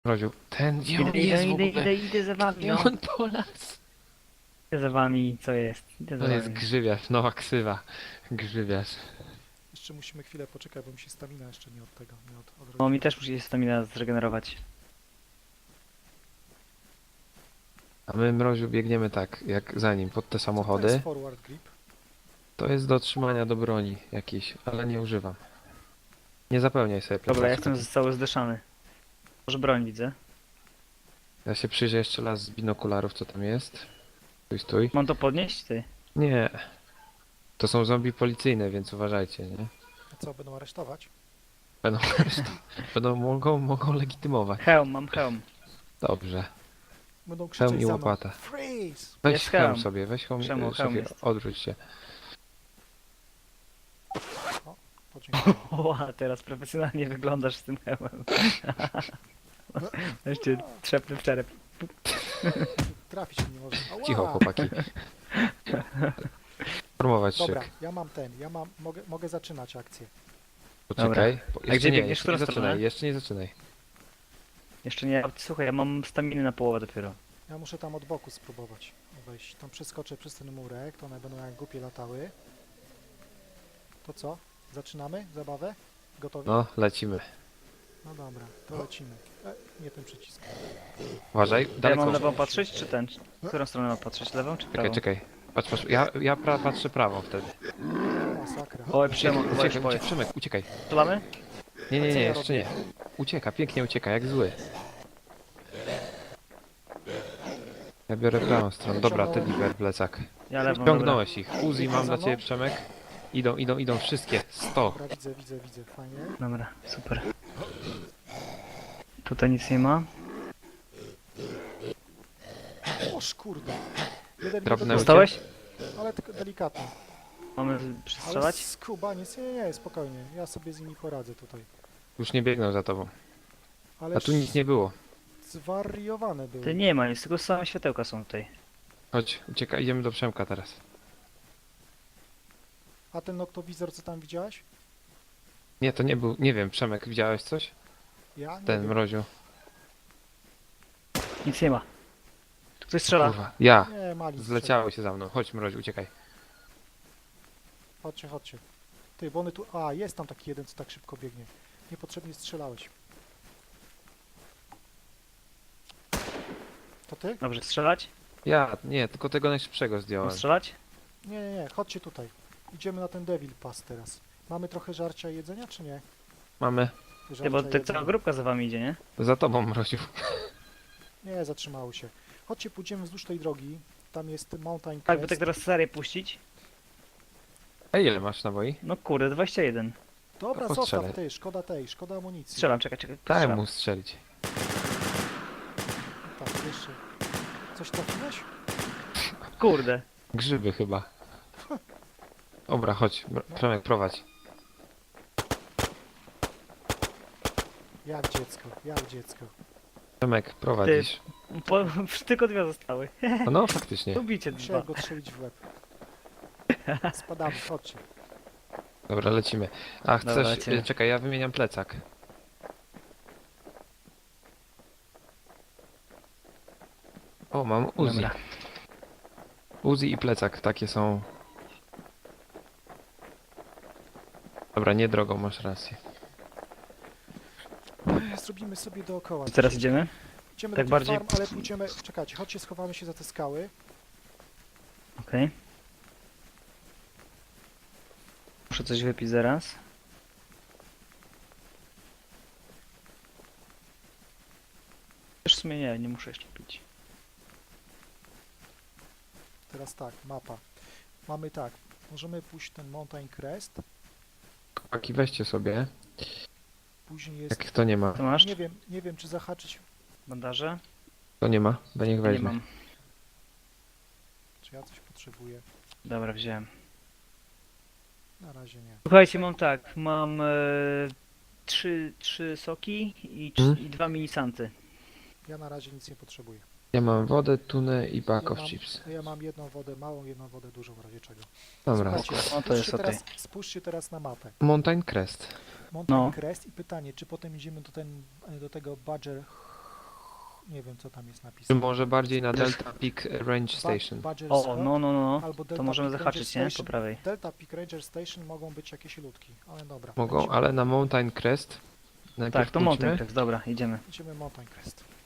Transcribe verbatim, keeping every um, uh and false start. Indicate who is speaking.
Speaker 1: Mroziu, ten, gdzie on
Speaker 2: Idę,
Speaker 1: jest
Speaker 2: idę,
Speaker 1: w
Speaker 2: idę,
Speaker 1: ogóle?
Speaker 2: idę, idę za wami,
Speaker 1: Gdzie
Speaker 2: no.
Speaker 1: on polas?
Speaker 2: Idę za wami, co jest? Idę za
Speaker 1: To jest
Speaker 2: wami.
Speaker 1: grzywiarz, nowa ksywa. Grzywiarz.
Speaker 3: Jeszcze musimy chwilę poczekać, bo mi się stamina jeszcze nie od tego, nie od, odrodziła.
Speaker 2: No mi też musi się stamina zregenerować.
Speaker 1: A my, Mroziu, biegniemy tak, jak za nim, pod te
Speaker 3: Co to
Speaker 1: samochody.
Speaker 3: jest forward grip?
Speaker 1: To jest do trzymania do broni jakiejś, ale nie używam. Nie zapełniaj sobie
Speaker 2: Dobra, ja
Speaker 1: plecaczka.
Speaker 2: jestem cały zdyszany. Może broń widzę.
Speaker 1: Ja się przyjrzę jeszcze raz z binokularów, co tam jest. Stój, stój.
Speaker 2: Mam to podnieść, ty?
Speaker 1: Nie. To są zombie policyjne, więc uważajcie, nie?
Speaker 3: A co, będą aresztować?
Speaker 1: Będą, będą mogą, mogą legitymować.
Speaker 2: Hełm, mam hełm.
Speaker 1: Dobrze.
Speaker 3: Będą krzyczeć
Speaker 1: Hełm i
Speaker 3: za mną.
Speaker 1: łopata.
Speaker 3: Freeze!
Speaker 1: Weź
Speaker 2: Jest
Speaker 1: hełm
Speaker 2: hełm.
Speaker 1: sobie, weź hełm,
Speaker 2: Czemu
Speaker 1: e,
Speaker 2: hełm
Speaker 1: szefie,
Speaker 2: jest?
Speaker 1: odwróć się.
Speaker 3: Podziękuję.
Speaker 2: Ła, teraz profesjonalnie wyglądasz z tym hełmem. Jeszcze trzepnę w czerep.
Speaker 3: Trafić mi nie może. Ała!
Speaker 1: Cicho, chłopaki. Formować
Speaker 3: Dobra,
Speaker 1: szyk.
Speaker 3: ja mam ten, ja mam, mogę, mogę zaczynać akcję.
Speaker 1: Poczekaj. Po,
Speaker 2: gdzie
Speaker 1: jeszcze nie,
Speaker 2: biegniesz?
Speaker 1: jeszcze
Speaker 2: W którą
Speaker 1: nie zaczynaj,
Speaker 2: stronę?
Speaker 1: jeszcze nie zaczynaj.
Speaker 2: Jeszcze nie, słuchaj, ja mam staminy na połowę dopiero.
Speaker 3: Ja muszę tam od boku spróbować wejść. Tam przeskoczę przez ten murek, to one będą jak głupie latały. To co? Zaczynamy zabawę? Gotowi?
Speaker 1: No, lecimy.
Speaker 3: No dobra, to lecimy. E, nie ten przycisk.
Speaker 1: Uważaj,
Speaker 2: Ja
Speaker 1: daleko.
Speaker 2: mam lewą patrzeć, czy ten? W którą stronę mam patrzeć? Lewą czy
Speaker 1: Czekaj,
Speaker 2: prawą?
Speaker 1: czekaj. Patrz, patrz. Ja, ja pra, patrzę prawą wtedy.
Speaker 3: Masakra.
Speaker 2: Oj, Przemo,
Speaker 1: Uciekaj,
Speaker 2: boję się,
Speaker 1: uciekaj,
Speaker 2: boję.
Speaker 1: uciekaj, Przemek, uciekaj.
Speaker 2: Strzelamy?
Speaker 1: Nie, nie,
Speaker 3: A co
Speaker 1: nie,
Speaker 3: ja
Speaker 1: jeszcze nie.
Speaker 3: robię?
Speaker 1: Ucieka, pięknie ucieka, jak zły. Ja biorę prawą stronę. Dobra, ty liber plecak.
Speaker 2: Ja lewą, dobra.
Speaker 1: Ciągnąłeś ich. Uzi mam dla
Speaker 3: Za
Speaker 1: ciebie,
Speaker 3: mną?
Speaker 1: Przemek. Idą, idą, idą wszystkie. sto.
Speaker 3: Dobra, widzę, widzę, widzę, fajnie.
Speaker 2: Dobra, super. Tutaj nic nie ma.
Speaker 3: Oż kurde. Jeden
Speaker 1: Drobne
Speaker 3: nie dotyka,
Speaker 2: Dostałeś?
Speaker 3: ale tylko delikatnie.
Speaker 2: Mamy
Speaker 3: Ale
Speaker 2: przestrzelać?
Speaker 3: skubaniec, nie, nie, nie, spokojnie. Ja sobie z nimi poradzę tutaj.
Speaker 1: Już nie biegną za tobą.
Speaker 3: Ale
Speaker 1: A tu nic nie było.
Speaker 3: zwariowane były.
Speaker 2: Ty nie ma nic, tylko same światełka są tutaj.
Speaker 1: Chodź, uciekaj, idziemy do Przemka teraz.
Speaker 3: A ten noktowizor, co tam widziałeś?
Speaker 1: Nie, to nie był, nie wiem, Przemek, widziałeś coś?
Speaker 3: Ja? Nie
Speaker 1: Ten
Speaker 3: wiem.
Speaker 1: mroziu.
Speaker 2: Nic nie ma. Tu ktoś strzela.
Speaker 1: Kurwa. Ja.
Speaker 3: Nie, mali.
Speaker 1: Zleciały się za mną. Chodź, mroziu, uciekaj.
Speaker 3: Chodźcie, chodźcie. Ty, bo one tu... A, jest tam taki jeden, co tak szybko biegnie. Niepotrzebnie strzelałeś. To ty?
Speaker 2: Dobrze, strzelać?
Speaker 1: Ja, nie, tylko tego najszybszego
Speaker 2: Mam
Speaker 1: zdjąłem.
Speaker 2: strzelać?
Speaker 3: Nie, nie, nie, chodźcie tutaj. Idziemy na ten Devil Pass teraz. Mamy trochę żarcia i jedzenia, czy nie?
Speaker 1: Mamy.
Speaker 2: Nie, bo
Speaker 3: Żarcia i
Speaker 2: tutaj
Speaker 3: jedzenia.
Speaker 2: cała grupka za wami idzie, nie?
Speaker 1: Za tobą, mroziu.
Speaker 3: Nie, zatrzymało się. Chodźcie, pójdziemy wzdłuż tej drogi. Tam jest Mountain
Speaker 2: Tak, by
Speaker 3: Crest.
Speaker 2: tak teraz serię puścić.
Speaker 1: A ile masz naboi?
Speaker 2: No kurde, dwadzieścia jeden.
Speaker 3: Dobra,
Speaker 1: To
Speaker 3: zostaw
Speaker 1: postrzelaj.
Speaker 3: ty, szkoda tej, szkoda amunicji.
Speaker 2: Strzelam, czekaj, czekaj.
Speaker 1: Daj
Speaker 2: strzelam.
Speaker 1: mu strzelić.
Speaker 3: Tak, jeszcze. Coś trafiłeś?
Speaker 2: Kurde.
Speaker 1: Grzyby chyba. Dobra, chodź. Mr- Przemek, prowadź.
Speaker 3: Jak dziecko, jak dziecko.
Speaker 1: Przemek, prowadzisz.
Speaker 2: Po, tylko dwie zostały.
Speaker 1: No, no faktycznie.
Speaker 2: Lubicie
Speaker 3: Musiałem
Speaker 2: dwa.
Speaker 3: go strzelić w łeb. Spadamy, chodźcie.
Speaker 1: Dobra, lecimy. A
Speaker 2: Dobra,
Speaker 1: chcesz...
Speaker 2: lecimy.
Speaker 1: y, Czekaj, ja wymieniam plecak. O, mam Uzi.
Speaker 2: Dobra.
Speaker 1: Uzi i plecak, takie są. Dobra, nie drogą, masz rację.
Speaker 3: Zrobimy sobie dookoła.
Speaker 2: Teraz idziemy?
Speaker 3: Idziemy
Speaker 2: tak
Speaker 3: do tych
Speaker 2: bardziej-
Speaker 3: farm, ale pójdziemy... Czekajcie, chodźcie, schowamy się za te skały.
Speaker 2: Okej. Muszę coś wypić zaraz. Też w sumie nie, nie muszę jeszcze pić.
Speaker 3: Teraz tak, mapa. Mamy tak, możemy pójść ten Mountain Crest.
Speaker 1: Chłopaki, weźcie sobie.
Speaker 3: Później jest...
Speaker 1: Jak to nie ma.
Speaker 2: To masz?
Speaker 3: Nie wiem, nie wiem, czy zahaczyć...
Speaker 2: Bandaże?
Speaker 1: To nie ma, to niech
Speaker 2: Nie
Speaker 1: weźmie.
Speaker 2: mam.
Speaker 3: Czy ja coś potrzebuję?
Speaker 2: Dobra, wziąłem.
Speaker 3: Na razie nie.
Speaker 2: Słuchajcie, mam tak, mam e, trzy, trzy soki i, trz-
Speaker 1: Hmm?
Speaker 2: i dwa minisanty.
Speaker 3: Ja na razie nic nie potrzebuję.
Speaker 1: Ja mam wodę, tunę i bag
Speaker 3: Ja
Speaker 1: of
Speaker 3: mam,
Speaker 1: chips.
Speaker 3: ja mam jedną wodę małą, jedną wodę dużą, w razie czego.
Speaker 1: Dobra.
Speaker 3: Słuchajcie,
Speaker 2: No to jest
Speaker 3: spójrzcie,
Speaker 2: okej.
Speaker 3: teraz, spójrzcie teraz na mapę.
Speaker 1: Mountain Crest.
Speaker 3: Mountain
Speaker 2: No.
Speaker 3: Crest i pytanie, czy potem idziemy do, ten, do tego Badger Nie wiem, co tam jest
Speaker 1: Czy
Speaker 3: napisane.
Speaker 1: może bardziej na Delta Peak Range
Speaker 3: Ba-
Speaker 1: Station.
Speaker 3: Badger
Speaker 2: O,
Speaker 3: Spot
Speaker 2: no, no, no.
Speaker 3: albo Delta
Speaker 2: To możemy
Speaker 3: Peak
Speaker 2: zahaczyć,
Speaker 3: Ranger
Speaker 2: nie? Po
Speaker 3: Station.
Speaker 2: prawej.
Speaker 3: Delta Peak Ranger Station mogą być jakieś ludki, ale dobra.
Speaker 1: Mogą,
Speaker 3: lecimy.
Speaker 1: ale na Mountain Crest najpierw
Speaker 2: Tak, to Mountain
Speaker 1: pójdźmy.
Speaker 2: Crest, dobra, idziemy.
Speaker 3: Idziemy Mountain Crest.